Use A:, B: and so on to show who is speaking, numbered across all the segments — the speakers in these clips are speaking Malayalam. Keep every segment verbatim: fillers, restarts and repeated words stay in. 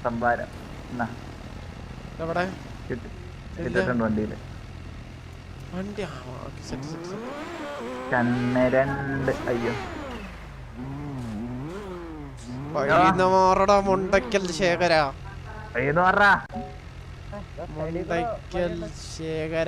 A: സംഭാരം കിട്ടിട്ടുണ്ട് വണ്ടിയില്. കണ്ണരണ്ട് അയ്യോ
B: മാറടാ മുണ്ടക്കൽ ശേഖര മുണ്ടക്കൽ ശേഖര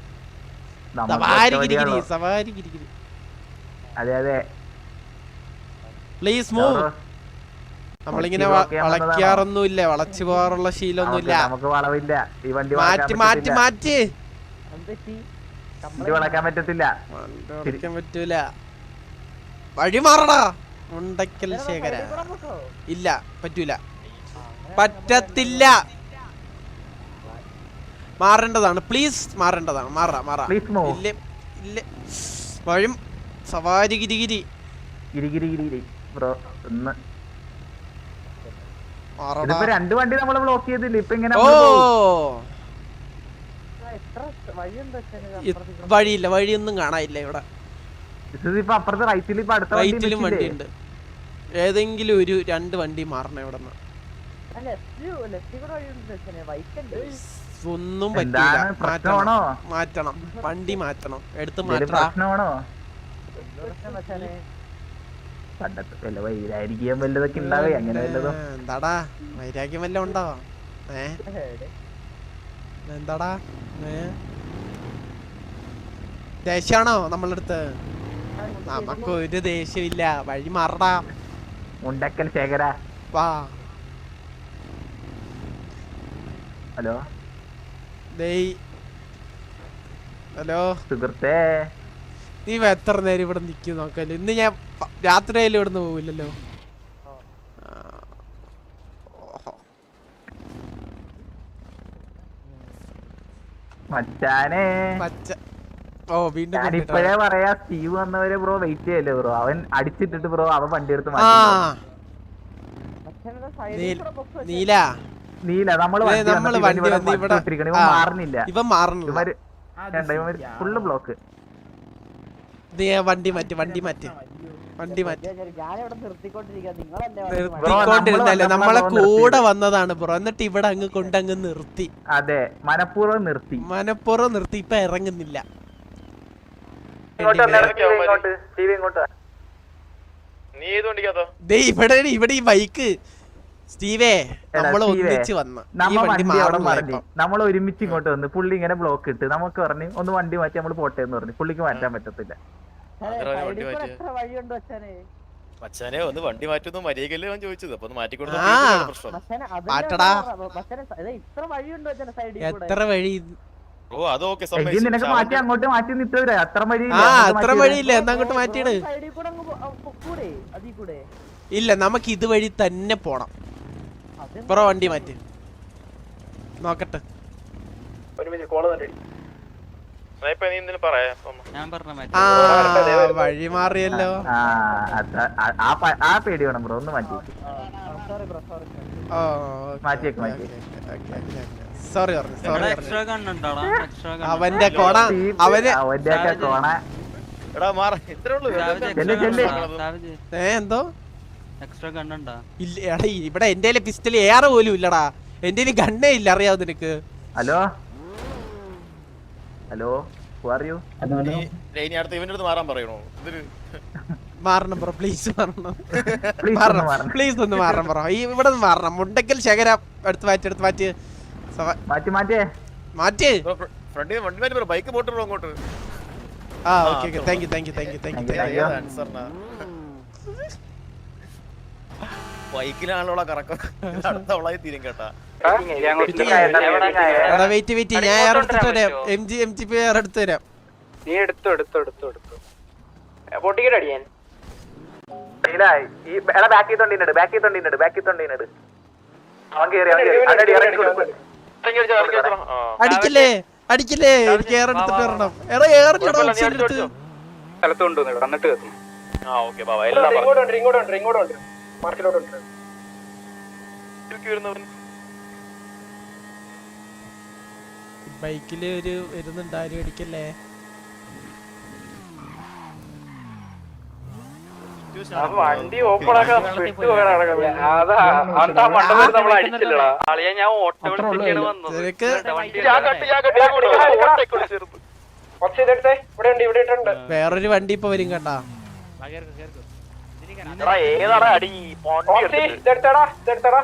A: അതെ അതെ
B: പ്ലീസ് മൂവ്. നമ്മളിങ്ങനെ വളയ്ക്കാറൊന്നുമില്ല, വളച്ചു പോകാറുള്ള ശീലമൊന്നുമില്ല.
A: നമുക്ക് വളവില്ല. ഈ വണ്ടി
B: മാറ്റി മാറ്റി മാറ്റി
A: വളക്കാൻ പറ്റത്തില്ല,
B: വളയ്ക്കാൻ പറ്റൂല. വഴി മാറടാ മുണ്ടക്കൽ ശേഖര. ഇല്ല പറ്റൂല, പറ്റത്തില്ല. മാറേണ്ടതാണ്, പ്ലീസ് മാറേണ്ടതാണ്. മാറാ മാറാ ഇല്ലേ ഇല്ല. വഴി സവാരി ഗിരിഗിരി
A: ബ്രോ. രണ്ട് വണ്ടി നമ്മൾ ബ്ലോക്ക് ചെയ്തില്ല. ഇപ്പൊ ഇങ്ങനെ
B: ഓ വഴിയില്ല, വഴിയൊന്നും കാണാനില്ല ഇവിടെ.
A: അപ്പുറത്ത് റൈറ്റിൽ
B: റൈറ്റിലും വണ്ടിയുണ്ട്. ഏതെങ്കിലും ഒരു രണ്ട് വണ്ടി മാറണം ഇവിടെ നിന്ന്. ഒന്നും പറ്റില്ല, മാറ്റണം മാറ്റണം വണ്ടി മാറ്റണം, എടുത്ത് മാറ്റണം. എന്താടാ വൈരാഗ്യം വല്ലതും ഉണ്ടോ? ഏ എന്താടാ ദേഷ്യാണോ നമ്മളടുത്ത്? നമുക്ക് ഒരു ദേഷ്യമില്ല. വഴി മാറടാ
A: മുണ്ടക്കൽ ശേഖര.
B: വാ.
A: ഹലോ
B: ഹലോ
A: സുഹൃത്തേ,
B: നീ എത്ര നേരം ഇവിടെ നിൽക്കും നോക്കല്ലോ. ഇന്ന് ഞാൻ രാത്രിയായാലും ഇവിടുന്ന് പോവില്ലല്ലോ.
A: മച്ചാനെ
B: ഓ വീണ്ടും
A: ഇപ്പഴേ പറയാ, സ്റ്റീവ് വന്നവരെ ബ്രോ വെയിറ്റ് ചെയ്യല്ലേ ബ്രോ. അവൻ അടിച്ചിട്ടിട്ട് ബ്രോ അവൻ വണ്ടി എടുത്ത്
B: നീല
A: നീല നമ്മള് മാറുന്നില്ല.
B: ഇവ മാറുന്നില്ല.
A: Full block.
B: വണ്ടി മാറ്റി വണ്ടി മാറ്റി വണ്ടി മാറ്റി നിർത്തിക്കൊണ്ടിരുന്നല്ലേ. നമ്മളെ കൂടെ വന്നതാണ് ബ്രോ, എന്നിട്ട് ഇവിടെ അങ്ങ് കൊണ്ടങ്ങ് നിർത്തി.
A: അതെ, മനഃപൂർവ്വം നിർത്തി
B: മനഃപൂർവ്വം നിർത്തി. ഇപ്പൊ ഇറങ്ങുന്നില്ല. ഇവിടെ ഇവിടെ ഈ ബൈക്ക് സ്റ്റീവേ നമ്മൾ ഒന്നിച്ച് വന്ന്
A: നമ്മൾ ഒരുമിച്ച് ഇങ്ങോട്ട് വന്ന് പുള്ളി ഇങ്ങനെ ബ്ലോക്ക് ഇട്ട് നമുക്ക് പറഞ്ഞു ഒന്ന് വണ്ടി മാറ്റി നമ്മൾ പോട്ടെ എന്ന് പറഞ്ഞു. പുള്ളിക്ക് മാറ്റാൻ പറ്റത്തില്ല.
C: മച്ചാനെ ഒന്ന് വണ്ടി മാറ്റുന്നു മര്യാദക്കല്ലേ ഞാൻ ചോദിച്ചത്. അപ്പൊ മാറ്റിക്കൊടുത്ത
B: എത്ര വഴി?
C: ഓ അതൊക്കെ
A: നിനക്ക് മാറ്റി അങ്ങോട്ട് മാറ്റി നിൽത്തവരെ അത്ര വഴി.
B: ആ അത്ര വഴിയില്ല, എന്നാ അങ്ങോട്ട് മാറ്റിയിട്. ഇല്ല, നമുക്ക് ഇതുവഴി തന്നെ പോണം. ബ്രോ വണ്ടി മാറ്റി നോക്കട്ടെ. ആ വഴി മാറിയല്ലോ.
A: ആ പേടി വേണം ബ്രോ, ഒന്ന് മാറ്റി മാറ്റിയേക്ക് മാറ്റി.
B: സോറി അവന്റെ കോണ അവന്
A: അവന്റെയൊക്കെ കോണ.
B: ഏ എന്തോ ഇല്ല എടാ, ഇവിടെ എന്റെ പിസ്റ്റൽ ഏറെ പോലും ഇല്ലടാ. എന്റെ ഗണ്ണേ ഇല്ല, അറിയാവോ നിനക്ക്?
A: ഹലോ ഹലോ
B: മാറണം ബ്രോ, പ്ലീസ് മാറണം. മാറണം പ്ലീസ് ഒന്ന് മാറണം ബ്രോ. ഈ ഇവിടെ നിന്ന് മാറണം. മുണ്ടക്കൽ ശേഖര എടുത്ത് മാറ്റി എടുത്ത് മാറ്റി
A: മാറ്റി മാറ്റി
B: മാറ്റി.
C: ബൈക്ക് പോട്ടോ അങ്ങോട്ട്.
B: ആ okay okay thank you thank you thank you thank you thank you.
C: ബൈക്കിലാണല്ലോ കറക്കം. അടുത്തവളായി തീരും കേട്ടാ.
B: വെയിറ്റ് വെയിറ്റ് ഞാൻ എയർ എടുത്തിട്ട് വരാം. M G M G P air എടുത്ത് തരാം.
D: നീ എടുത്തു എടുത്തു എടുത്തു എടുത്തു പൊട്ടിക്കൽ അടിയാൻ.
A: ബാക്കി തൊണ്ടിനുണ്ട് ബാക്കി തൊണ്ടിനുണ്ട് ബാക്കി തൊണ്ടിനുണ്ട്.
B: അടിക്കില്ലേ അടിക്കില്ലേ, എനിക്ക് എയർ എടുത്തിട്ട് വരണം. എടാ എയർ എടുത്ത്
D: സ്ഥലത്ത് കൊണ്ടുവന്നു എന്നിട്ട് കത്തും.
B: ബൈക്കില് ഒരു വരുന്നുണ്ട്, ആരും അടിക്കല്ലേ.
D: വണ്ടി ഓപ്പൺ ആക്കാൻ അതാ അതാ മണ്ടത്തിൽ നമ്മൾ അടിച്ചില്ലടാ ആളിയാ ഞാൻ ഓട്ടോ വിളിച്ചിട്ടാണ് വന്നത്
B: നിനക്ക്
D: ഇവിടെ ഉണ്ട് ഇവിടെ ഇട്ടുണ്ട്
B: വേറൊരു വണ്ടി ഇപ്പൊ വരും കേട്ടാ.
C: ഏതാടാ അടി
D: ഇതെടുത്തടാ ഇതെടുത്തടാ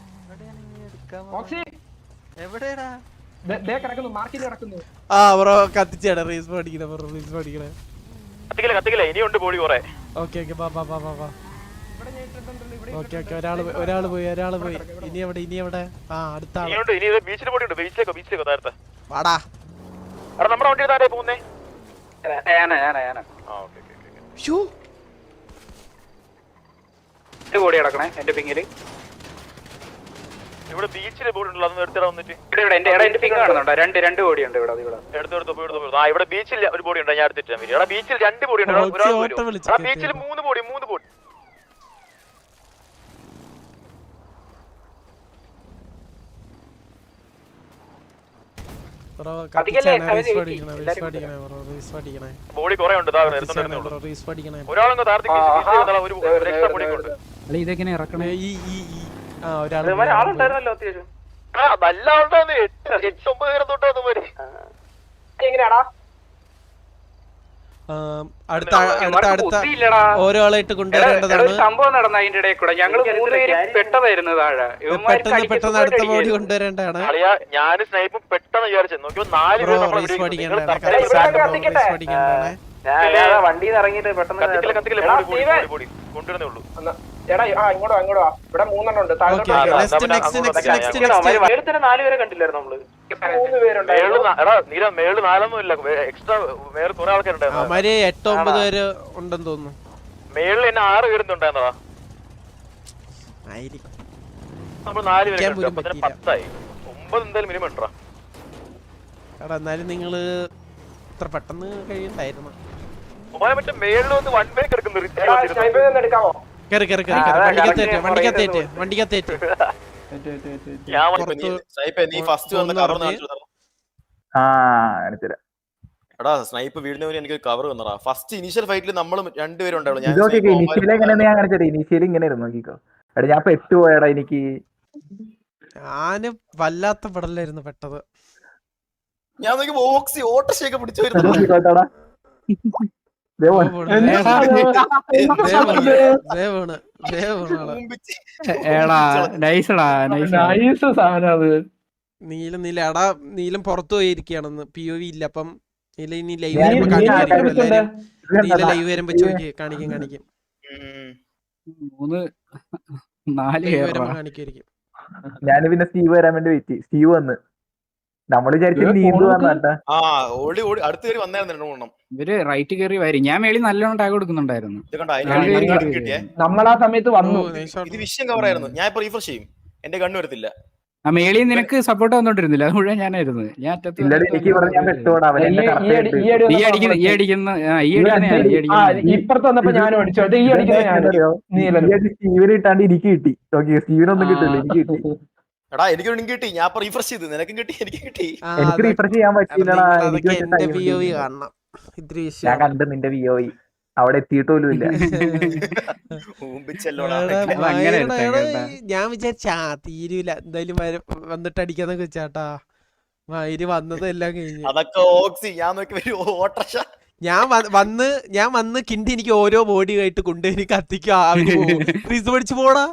B: എവിടെയാടാ?
D: മാർക്കിൽ കിടക്കുന്നു.
B: ആ ബ്രോ കത്തിച്ചാണ് റീസ് പഠിക്കണേ ബ്രോ റീസ് പഠിക്കണേ.
C: കത്തിക്കില്ല കത്തിക്കില്ല ഇനിയുണ്ട് ബോഡി കുറെ.
B: ഓക്കെ ഓക്കെ ബാ ബാ ബാ ബാ ബാ ഓക്കെ ഓക്കെ ഒരാള് പോയി ഒരാള് പോയി ഒരാള് പോയി. ഇനി എവിടെ ഇനി എവിടെ? ആ അടുത്ത ആള്
C: ഇനിയുണ്ട് ഇനി ബീച്ചിൽ ബോഡി ഉണ്ട്. ബീച്ചിലേക്കോ ബീച്ചിലേക്കോ നേരത്തെ
B: വാടാ.
C: എടാ നമ്മുടെ വണ്ടി താരേ പോകുന്നേ.
D: ഞാനാ ഞാനാ ഞാനാ
C: ആ ഓക്കെ ഓക്കെ ഓക്കെ.
B: ഷൂ
D: എട്ട് കോടി കിടക്കണേ എന്റെ പിങ്ങില്.
C: ഇവിടെ ബീച്ചിലെ ബോർഡ് ഉണ്ടല്ലോ അതൊന്ന് എടുത്തിടാ വന്നിട്ട്.
D: ഇവിടെ ഇവിടെ എന്റെ എന്റെ പിങ് കാണുന്നുണ്ടോ? രണ്ട് രണ്ട് കോടി ഉണ്ട് ഇവിടെ ഇവിടെ
C: എടുത്തു എടുത്തു പോയി എടുത്തു. ആ ഇവിടെ ബീച്ചിൽ ഒരു ബോഡി ഉണ്ട് ഞാൻ എടുത്തിട്ട് വരും. എടാ ബീച്ചിൽ രണ്ട് ബോഡി ഉണ്ട്.
B: ഓ, ഓട്ടോ വിളിച്ച്
C: എടാ ബീച്ചിൽ മൂന്ന് ബോഡി മൂന്ന് ബോഡി.
B: ബ്രോ
D: കത്തിക്കല്ലേ?
B: കത്തിച്ചാണ് റീസ് പഠിക്കണേ റീസ് പഠിക്കണേ ബ്രോ റീസ് പഠിക്കണേ.
C: ബോഡി കുറെ ഉണ്ട്. ഇതാ എടുത്തോണ്ടേ ഉള്ളൂ.
B: ബ്രോ റീസ് പഠിക്കണേ.
C: ഒരാളങ്ങ് താർത്തിക്ക് ബീച്ചിൽ വന്നാൽ ഒരു ഒരു എക്സ്ട്രാ ബോഡി ഉണ്ട്.
E: അല്ല ഇതെങ്ങനെ ഇറക്കണേ?
B: ഈ ഈ ഈ ആ ഒരാള്
D: ആളുണ്ടായിരുന്നല്ലോ അത്യാവശ്യം.
C: ആ നല്ല ആളുണ്ടായിരുന്നു. എട്ട് എട്ട് ഒമ്പത് പേരെ തൊട്ടാന്ന് പോയി.
D: എങ്ങനെയാടാ
B: അടുത്ത അടുത്ത അടുത്ത ഓരോ ആളായിട്ട് കൊണ്ടുവരേണ്ടതാണ്.
D: സംഭവം നടന്ന അതിന്റെ ഇടയിൽ കൂടെ ഞങ്ങള് മൂന്നുപേര് പെട്ടതായിരുന്നു താഴെ.
B: പെട്ടെന്ന് പെട്ടെന്ന് അടുത്ത ബോഡി കൊണ്ടുവരേണ്ടതാണ്.
C: ഞാനും സ്നൈപ്പും പെട്ടെന്ന് വിചാരിച്ചു നോക്കിയോ നാല്
B: ബ്രോ
C: പേര്
B: റീസ് പഠിക്കേണ്ടതാണ്. റീസ് പഠിക്കേണ്ടതാണ്.
D: വണ്ടിയിൽ ഇറങ്ങിയിട്ട് പെട്ടെന്ന്
C: കത്തിക്കില്ല കത്തിക്കില്ല ബോഡി ബോഡി ബോഡി കൊണ്ടുവരുന്നേ ഉള്ളൂ.
D: എടാ ആ ഇങ്ങോട്ടോ ഇങ്ങോട്ടോ ഇവിടെ മൂന്നെണ്ണം ഉണ്ട്.
B: Okay okay next next next next next
D: നേരത്തെ നാല് പേരെ കണ്ടില്ലായിരുന്നു നമ്മള്. മൂന്ന് പേരുണ്ടായിരുന്നു.
C: മേള് നാ- എടാ നീല മേള് നാലൊന്നും ഇല്ല. എക്സ്ട്രാ വേറെ കുറെ ആൾക്കാരുണ്ടായിരുന്നു.
B: അവന്മാര് എട്ട് ഒമ്പത് പേര് ഉണ്ടെന്ന് തോന്നുന്നു.
C: മേളിൽ എന്നെ ആറ് പേരുണ്ടായിരുന്നതാ.
B: ആയിരിക്കും.
C: നമ്മൾ നാല് പേര്
B: ഇരിക്കാൻ പോലും
C: അപ്പൊ തന്നെ
B: പറ്റിയില്ല.
C: പത്തായി. ഒമ്പത് എന്തായാലും മിനിമം ഉണ്ടാ.
B: എടാ എന്നാലും നിങ്ങള് ഇത്ര പെട്ടെന്ന് കഴിയണ്ടായിരുന്നു.
C: ഒമ്പത് മറ്റേ മേളിൽ വന്ന് വൺ വേ കിടക്കുന്നു.
D: എടുക്കാമോ?
B: കേറി കേറി കേറി കേറി വണ്ടിക്കത്തേറ്റ് വണ്ടിക്കത്തേറ്റ് വണ്ടിക്കത്തേറ്റ്
C: ഞാൻ
B: പുറത്ത്
C: സ്നൈപ്പ് നീ ഫസ്റ്റ് വന്ന് കവർ കാണിച്ചു തരാം.
A: ആ കാണിച്ചുതരാം.
C: എടാ സ്നൈപ്പ് വീടിന് വേണ്ടി എനിക്ക് കവർ തന്നടാ. ഫസ്റ്റ് ഇനീഷ്യൽ ഫൈറ്റിൽ നമ്മൾ രണ്ടുപേരും ഉണ്ടാവുള്ളൂ. ഞാൻ
A: ഇതൊക്കെ ഇനിഷ്യൽ എങ്ങനെയാന്ന് ഞാൻ കാണിച്ചത്. ഇനിഷ്യൽ ഇങ്ങനെ ഇരുന്നു നോക്കിക്കോ. എടാ ഞാൻ പെട്ടു പോയടാ. എനിക്ക്
B: ഞാന് വല്ലാത്ത പടലായിരുന്നു പെട്ടത്.
C: ഞാൻ നോക്കി ബോക്സി ഓട്ടശയൊക്കെ പിടിച്ചു വരുന്നു.
A: നോക്കിക്കോട്ടാടാ. ദേ
B: ഓ,
A: പോണ്.
B: പോണ്. ദേ പോണ്. ദേ പോണ്. ദേ പോണ് ആള്.
E: ഏടാ നൈസടാ നൈസ് സാധനം അത്.
B: നീലം നീല എടാ നീലം പുറത്തു പോയിരിക്കുകയാണെന്ന്. പി ഒ വി ഇല്ല. അപ്പം നീല ഇനി ലൈവ്
A: ഞാൻ
B: വരുമ്പോ
A: ഇനി
B: കാണിക്കായിരിക്കും
A: ആൾക്കാരെ
B: എല്ലാരും.
A: ഇത്
B: നീല
A: കണ്ടോ?
B: ലൈവ് വരുമ്പോ ചോദിക്കും കാണിക്കും കാണിക്കും
E: മൂന്ന് നാല്
B: ലൈവ്
E: കേറാ.
B: വരുമ്പോ കാണിക്കായിരിക്കും.
A: ഞാന് പിന്നെ സ്റ്റീവ് വരാൻ വേണ്ടി വെയിറ്റ്. സ്റ്റീവ് വന്ന് നമ്മള് വിചാരിച്ചു നീന്തു വന്നാട്ടാ.
C: ആ ഓടി ഓടി അടുത്ത കയറി വന്നായിരുന്നു രണ്ടു മൂന്നെണ്ണം.
E: ഇവര് റൈറ്റ് കയറി വരും. ഞാൻ മേളിൽ നല്ലോണം ടാഗ് കൊടുക്കുന്നുണ്ടായിരുന്നു.
C: ഇത് കണ്ടോ
E: ഞാൻ കേറി
C: അതിന്
E: കേറി
C: കിട്ടിയേ.
D: നമ്മളാ സമയത്ത്
B: ഓ, nice shot.
C: ഇത് വിഷയം കവർ ആയിരുന്നു. ഞാൻ ഇപ്പൊ റീഫ്രഷ് ചെയ്യും. എന്റെ കണ്ണു വരത്തില്ല.
E: ആ മേളിൽ നിനക്ക് സപ്പോർട്ട് വന്നോണ്ടിരുന്നില്ല. അത് മുഴുവൻ ഞാനായിരുന്നു. ഞാൻ അറ്റത്ത്
A: ഇല്ലടി എനിക്ക് പറഞ്ഞ ഞാൻ പെട്ടുപോടാ. അവൻ എന്നെ correct ആയിട്ട്
E: ഈ അടിക്കുന്ന ഈ അടിക്കുന്ന ആ, ഈ അടിക്കുന്ന ഞാൻ, ഈ അടിക്കുന്ന
D: ഇപ്പുറത്ത് വന്നപ്പോ ഞാനും അടിച്ചു. അത് ഈ അടിക്കുന്ന ഞാൻ
A: സ്റ്റീവിന് കിട്ടാണ്ട് എനിക്ക് കിട്ടി. ഓക്കെ സ്റ്റീവിനൊന്നും കിട്ടില്ല. എനിക്ക് കിട്ടി.
C: എടാ എനിക്കൊരു ലിങ്ക് കിട്ടി. ഞാൻ ഇപ്പൊ റീഫ്രഷ് ചെയ്ത്. നിനക്കും കിട്ടി എനിക്കും കിട്ടി.
B: ആ,
A: എനിക്ക്
B: അതൊക്കെ-
A: റീഫ്രഷ് ചെയ്യാൻ പറ്റില്ലടാ.
B: നിങ്ങൾ
A: എനിക്ക്
B: അതൊക്കെ
A: വെച്ച
B: എന്റെ
A: time
B: പി ഒ വി
A: കിട്ടിയില്ല.
B: കാണണം. ഇത്തിരി
A: ഞാൻ
B: വിഷയം
A: കണ്ട് നിന്റെ വി ഒ അവിടെ എത്തിയിട്ട് പോലും ഇല്ല.
C: ഊമ്പിച്ചല്ലോടാ.
E: അങ്ങനെ എടുത്തേ കേട്ടാ.
B: ഞാൻ വിചാരിച്ച ആ തീരൂല എന്തായാലും വര- വന്നിട്ട് അടിക്കാന്നൊക്കെ വെച്ചാട്ടാ. മയില് വന്നത് എല്ലാം കഴിഞ്ഞു.
C: അതൊക്കെ ഓക്സി. ഞാൻ നോക്കി വരും ഓട്ടർഷ.
B: ഞാൻ വ- വന്ന് ഞാൻ വന്ന് കിണ്ടി എനിക്ക് ഓരോ ബോഡി ആയിട്ട് കൊണ്ടുപോയി കത്തിക്കും. അവര് ഫ്രീസ് പഠിച്ചു പോടാ.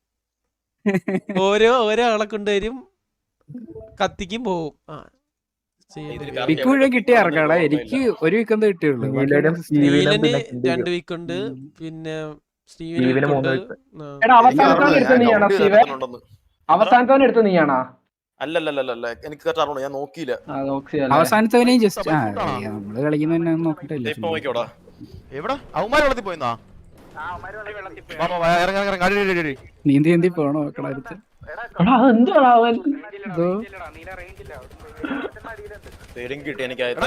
B: ഓരോ ഓരോ ആളെ കൊണ്ടുവരും കത്തിക്കും പോവും. ആ ചെയ്യേണ്ടി
E: പിക്ക് മുഴുവൻ കിട്ടിയ ഇറക്കാടാ. എനിക്ക് ഒരു വീക്ക് എന്താ കിട്ടിയുള്ളൂ.
A: നീലനും സ്റ്റീവിനും
B: സ്റ്റീവന്
A: പിന്നെ കിണ്ടിക്കും.
B: രണ്ട് വീക്ക് ഉണ്ട്. പിന്നെ സ്റ്റീവന്
A: സ്റ്റീവന്
B: week
A: മൂന്ന്
B: ഉണ്ട്.
A: week.
B: ആ.
D: എടാ അവസാനത്തോടെ എടുത്ത നീയാണോ സ്റ്റീവേ? അവസാനത്തോടെ എടുത്ത നീയാണോ?
C: അല്ലല്ലല്ല എനിക്ക് കറക്റ്റ് അറിയണോ. ഞാൻ നോക്കിയില്ല.
E: അവസാനത്തവനെയും ജസ്റ്റ് ആ നമ്മള് കളിക്കുന്ന നോക്കട്ടില്ല.
C: ഇപ്പൊ നോക്കിയോടാ. എവിടെ അവന്മാര് വെള്ളത്തിൽ പോയിന്നാ.
E: നീന്തി നീന്തി പോണോ നോക്കണ അടുത്ത്.
C: പേരും കിട്ടി എനിക്ക്. ആയത്തെ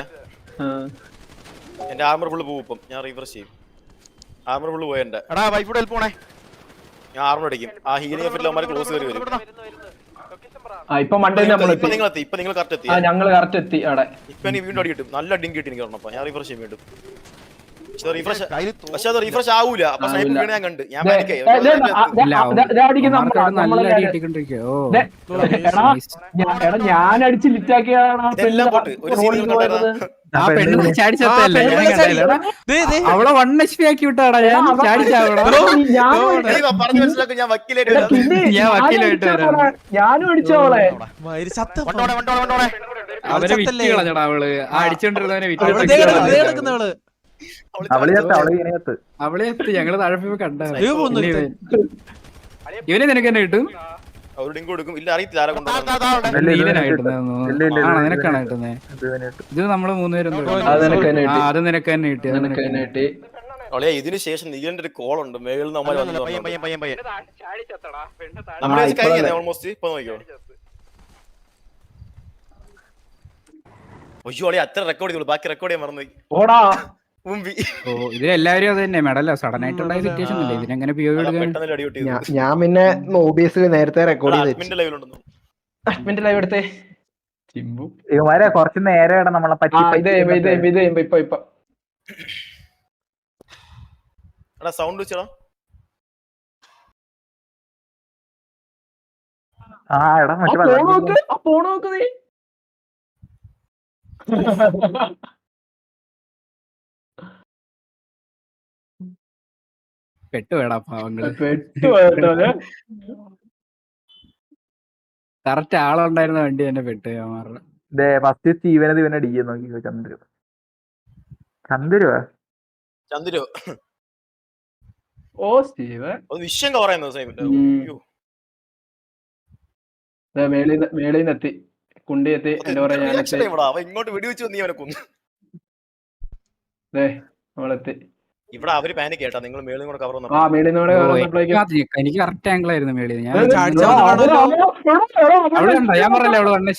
C: എന്റെ ആർമർ ഫുള്ള് പോകും. ഇപ്പം ഞാൻ റീഫ്രഷ് ചെയ്യും. ആർമർ ഫുള്ള് പോയ എന്റെ എടാ വൈഫോടെ ഹെൽപ്പ് പോണേ. ഞാൻ ആർമർ അടിക്കും. ആ ഹീലിംഗ് എഫക്റ്റിൽ അവന്മാര് ക്ലോസ് കയറി വരും.
D: ഇപ്പൊ മണ്ടേ നമ്മൾ
C: ഇപ്പൊ നിങ്ങൾ എത്തി. ഇപ്പൊ നിങ്ങൾ കറക്റ്റ് എത്തി.
D: ഞങ്ങള് കറക്റ്റ് എത്തി അവിടെ.
C: ഇപ്പൊ എനിക്ക് വീണ്ടും അടി കിട്ടും. നല്ല അടിയും കിട്ടി എനിക്ക് പറഞ്ഞപ്പോ. ഞാൻ റീഫ്രഷ് ചെയ്യും വീണ്ടും. റീഫ്രഷ് പക്ഷെ അത് റീഫ്രഷ് ആവൂല. അപ്പൊ സ്നൈപ്പർ വീണ് ഞാൻ കണ്ട് ഞാൻ
E: ദേ,
C: പാനിക്കായി.
E: ദേ, ദേ, ആ, ദേ, ആ, ദേ, ദേ അടിക്കുന്ന നമ്മളെ-
B: മാർക്കോട് നല്ല
E: നമ്മളെ
B: അടി
E: ഞാൻ-
B: കിട്ടിക്കൊണ്ടിരിക്കുക. ഓ
E: ദേ, എടാ, ഞാൻ- എടാ ഞാൻ അടിച്ച് ലിറ്റാക്കിയാണ്
C: ഇതെല്ലാം പോട്ട് ഒരു സീൻ കണ്ടായിരുന്നു.
B: ആ പെണ്ണ് ചാടി ചത്തല്ലേ?
E: ആ,
B: ഞാൻ
E: പെണ്ണ്
B: കണ്ടില്ല. ദേ, ദേ. അവളെ വൺ എച്ച് പി ആക്കി വിട്ടാടാ ഞാൻ ചാടി ചാവണം.
C: പറഞ്ഞു മനസ്സിലാക്കും ഞാൻ വക്കീലായിട്ട് വരാം.
B: ഞാൻ വക്കീലായിട്ട് വരാം.
E: ഞാനും അടിച്ചോളെ
B: മയിര് ചത്ത
C: കൊണ്ടോടെ കൊണ്ടോടെ കൊണ്ടോടെ
B: അവരെ വിറ്റ് കളഞ്ഞടാ അവള്. ആ അടിച്ചോണ്ടിരുന്നവനെ വിറ്റ് കിടക്കുന്നവള്
A: അവള് ചത്ത് അവള് ഇങ്ങനെ ചത്ത്.
B: അവളെ എത്തി ഞങ്ങള് താഴെ പോയി കണ്ട. ഇവനെ നിനക്ക് തന്നെ കിട്ടും.
C: അവരുടെ കൊടുക്കും. ഇല്ല അറിയത്തില്ല ആരെ കൊണ്ടുപോകും.
A: ഇല്ല, ഇത്
B: നീലനാ
A: ഇല്ല,
B: കിട്ടുന്നത്.
A: ഇല്ല, ഇല്ല,
B: ആണോ
A: ഇല്ല.
B: നിനക്കാണ് കിട്ടുന്നത്?
A: ഇത് തന്നെ ഇട്ടു.
B: ഇത് നമ്മള് മൂന്നുപേരും
E: അത് നിനക്ക് തന്നെ കിട്ടി.
B: അത് നിനക്ക് തന്നെ കിട്ടി. അത് നിനക്ക് തന്നെ കിട്ടി.
C: അവളെ ഇതിന് ശേഷം നീലന്റെ ഒരു കോൾ ഉണ്ട്. മേളിൽ നമ്മൾ
E: ആ,
C: നമ്മളെ
E: ഇപ്പൊ
C: കഴിഞ്ഞ
E: അല്ലേ.
C: ഓൾമോസ്റ്റ് ഇപ്പൊ നോക്കിയോ. ഒയ്യോ അളി അത്ര റെക്കോർഡ് ചെയ്തോളൂ. ബാക്കി റെക്കോർഡ് ചെയ്യാൻ മറന്നു.
E: ഓടാ
C: മുമ്പി
B: ഓ ഇതിലെല്ലാവരും അത് തന്നെ മെഡല സഡൻ ആയിട്ടുണ്ടായ സിറ്റുവേഷൻ അല്ലേ ഇതിനെങ്ങനെ പി ഒ എടുക്കാൻ?
C: പെട്ടെന്ന് അടി പൊട്ടി.
E: ഞാ- ഞാൻ പിന്നെ ഒബിഎസ് നേരത്തെ റെക്കോർഡ് ചെയ്ത്
C: അഡ്മിന്റെ ലൈവിലുണ്ടെന്നു.
E: മിനിറ്റ് ലൈവ് എടുത്തേ ചിമ്പു
A: ഇവന്മാരെ കുറച്ച് നേരെയാണ് നമ്മളെ പറ്റി
E: ആ ഇത് ചെയ്യുമ്പോ ഇത് ചെയ്യുമ്പോ ഇത് ചെയ്യുമ്പോ ഇപ്പൊ ഇപ്പൊ
C: എടാ സൗണ്ട് വെച്ചടാ.
A: ആ എടാ മറ്റേ
E: ആ ഫോൺ
A: വെള്ളം
E: നോക്ക് ആ ഫോൺ നോക്ക് നീ
B: പെട്ടുവേടാ പാവങ്ങള്.
E: പെട്ടു പോയട്ടോ.
B: കറക്റ്റ് ആളുണ്ടായിരുന്ന വണ്ടി തന്നെ പെട്ട് മാറ.
A: ഫസ്റ്റ് സ്റ്റീവനത് ഇവനെ അടിക്കാൻ നോക്കി ചന്ദ്രു ചന്ദ്രുവാ
C: ചന്ദ്രു
E: ഓ സ്റ്റീവ്
C: അത് വിഷയം കവർ ചെയ്യുന്നത് സൈമിന്റെ. അയ്യോ
E: മേളിന്ന് എത്തി കുണ്ടി എത്തി എന്താ പറയാ ഞാൻ
C: റിയാക്ഷൻ ഇവിടെ അവ ഇങ്ങോട്ട് വെടിവെച്ച് നീ അവനെ കൊന്നു.
E: നമ്മളെത്തി
C: ഇവിടെ അവര് പാനിക് കേട്ടാ. നിങ്ങൾ മേളിൽ കൂടെ കവർ
E: ആ മേളിന്നോടെ
B: എനിക്ക് കറക്റ്റ് ആംഗിൾ ആയിരുന്നു മേളിൽ. ഞാൻ അവിടെ ഉണ്ടോ? ഞാൻ പറഞ്ഞല്ലേ അവള് വണ്ണ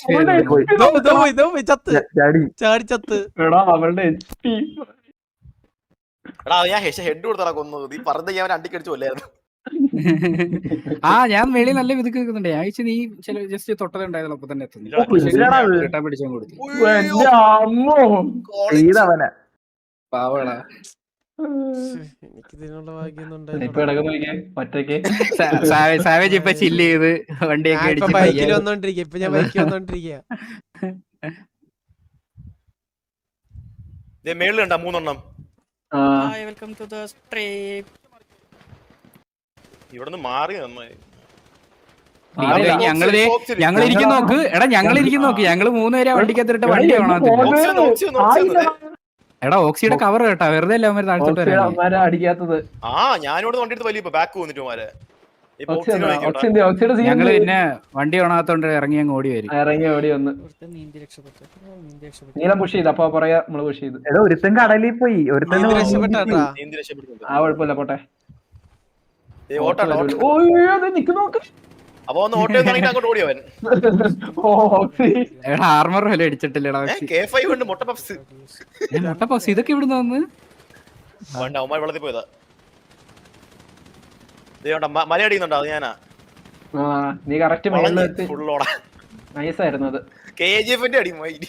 A: ചാടി
B: ചാടി ചത്ത്.
E: എടാ അവളുടെ എച്ച് പി
C: എടാ ഞാൻ ഹെഡ് കൊടുത്തടാ കൊന്നത്. നീ പറഞ്ഞ ഞാൻ അണ്ടിക്കടിച്ചു കൊല്ലായിരുന്നു.
B: ആ ഞാൻ മേളി നല്ല വിതുക്ക് നിൽക്കുന്നുണ്ട്. ഞാൻ വെച്ച് നീ ചില ജസ്റ്റ് തൊട്ടതുണ്ടായിരുന്നു അപ്പൊ തന്നെ എത്തുന്നു. റിട്ടേൺ പിടിച്ചാൽ കൊടുത്തു.
E: എന്റെ അമ്മോ
A: ചെയ്തവനെ
B: പാവടാ.
E: ഇപ്പൊ ഇടക്ക് നോക്കിയേ ഒറ്റയ്ക്ക്
B: സാവേജ് ഇപ്പൊ ചില്ല് ചെയ്ത് വണ്ടിയൊക്കെ അടിച്ച്
F: ബൈക്കിൽ വന്നോണ്ടിരിക്കുക. ഇപ്പൊ ഞാൻ ബൈക്കിൽ വന്നോണ്ടിരിക്കുക.
C: മേളിൽ കണ്ടാ മൂന്നെണ്ണം.
F: Welcome to the stream.
C: ഇവിടുന്ന് മാറി നന്നായി.
B: ഞങ്ങള് ഞങ്ങൾ ഇരിക്കുന്ന നോക്ക്. എടാ ഞങ്ങൾ ഇരിക്കുന്ന നോക്ക്. ഞങ്ങള് മൂന്നുപേരെ വണ്ടിക്കകത്തിട്ട് വണ്ടി വേണം. എടാ ഓക്സിയുടെ കവർ കേട്ടാ വെറുതെ അല്ല അവന്മാര് താഴ്ത്തോട്ട് വരാൻ
E: അടിക്കാത്തത്.
C: ആ ഞാനിവിടെ വണ്ടി എടുത്ത് വലിയ ബാക്ക് വന്നിട്ട് മാരെ.
B: ഞങ്ങള് പിന്നെ വണ്ടി ഓണാത്തോണ്ട് ഇറങ്ങി അങ്ങ് ഓടി വരും.
E: ഇറങ്ങി ഓടി വന്ന്
F: നീന്തി രക്ഷപ്പെട്ടു. നീന്തി രക്ഷപ്പെട്ടു.
E: നീലം പുഷ് ചെയ്ത് അപ്പൊ പറയാ നമ്മള് പുഷ് ചെയ്ത്.
A: എടാ ഒരുത്തൻ കടലിൽ പോയി. ഒരുത്തൻ
F: നീന്തി രക്ഷപ്പെട്ടാ.
C: നീന്തി രക്ഷപ്പെടുന്നുണ്ട്.
E: ആ കുഴപ്പമില്ല പോട്ടെ.
C: ഏ ഓട്ടാ
E: നിക്ക് നോക്ക്.
C: അപ്പൊ ഒന്ന് ഓട്ടോ തുടങ്ങിട്ട് അങ്ങോട്ട് ഓടിയവൻ.
B: എടാ ആർമർ വല്ല അടിച്ചിട്ടില്ലടാ.
C: കെ ഫൈവ് ഉണ്ട് മുട്ട പപ്സ്.
B: മുട്ടപ്പസ് ഇതൊക്കെ ഇവിടുന്ന് വന്ന്
C: വേണ്ട അവന്മാർ വെള്ളത്തിൽ പോയതാ. മല അടിക്കുന്നുണ്ടോ? അത് ഞാനാ
E: നീ കറക്റ്റ്
C: ഫുള്ളോടാ.
E: നൈസായിരുന്നു അത്.
C: കെ ജി എഫിന്റെ അടി മൈരി.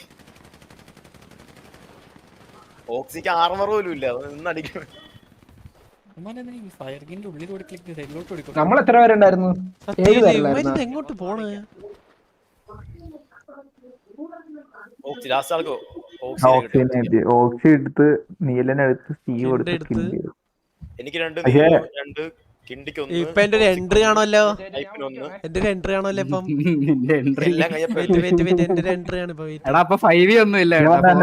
C: ഓക്സിക്ക് ആർമർ പോലും ഇല്ല. നിന്ന് അടിക്കണം.
E: നമ്മൾ എത്ര പേരുണ്ടായിരുന്നു? ഏഴ് പേരുണ്ടായിരുന്നു.
F: എങ്ങോട്ട് പോണ്?
C: ഓക്സി ലാസ്റ്റ് ആൾക്കോ
A: ഓക്സിജൻ ഓക്സി എടുത്ത് നീലനെടുത്ത് സ്റ്റീവ് എടുത്ത്
C: എനിക്ക് രണ്ട് രണ്ട് കിണ്ടിക്ക് ഒന്ന്.
F: ഇപ്പൊ എന്റെ ഒരു എൻട്രി കാണുമല്ലോ.
C: ഒന്ന്
F: എന്റെ ഒരു എൻട്രി കാണുമല്ലോ ഇപ്പം.
C: എല്ലാം കഴിഞ്ഞപ്പോ
F: വെയിറ്റ് വെയിറ്റ് വെയിറ്റ് എന്റെ ഒരു എൻട്രി ആണ് ഇപ്പൊ.
B: എടാ അപ്പൊ ഫൈവ് ഒന്നും ഇല്ല.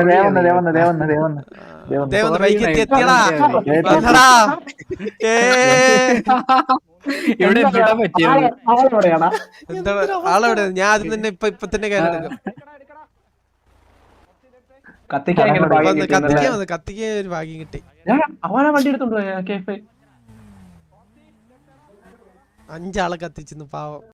F: എത്തിയടാ
B: ഇവിടെ എത്തിട്ടാ പറ്റിയത്.
F: എന്താണ് ആളെവിടെ? ഞാൻ ആദ്യം തന്നെ ഇപ്പൊ ഇപ്പൊ തന്നെ കയറിയെടുക്കും.
E: കത്തിക്കാൻ
F: കത്തിക്കാൻ വന്നു. കത്തിക്കാൻ ഒരു ഭാഗ്യം കിട്ടി.
E: അവനാ വണ്ടി എടുത്തോണ്ട്
F: അഞ്ചാളെ കത്തിച്ചിരുന്നു പാവം.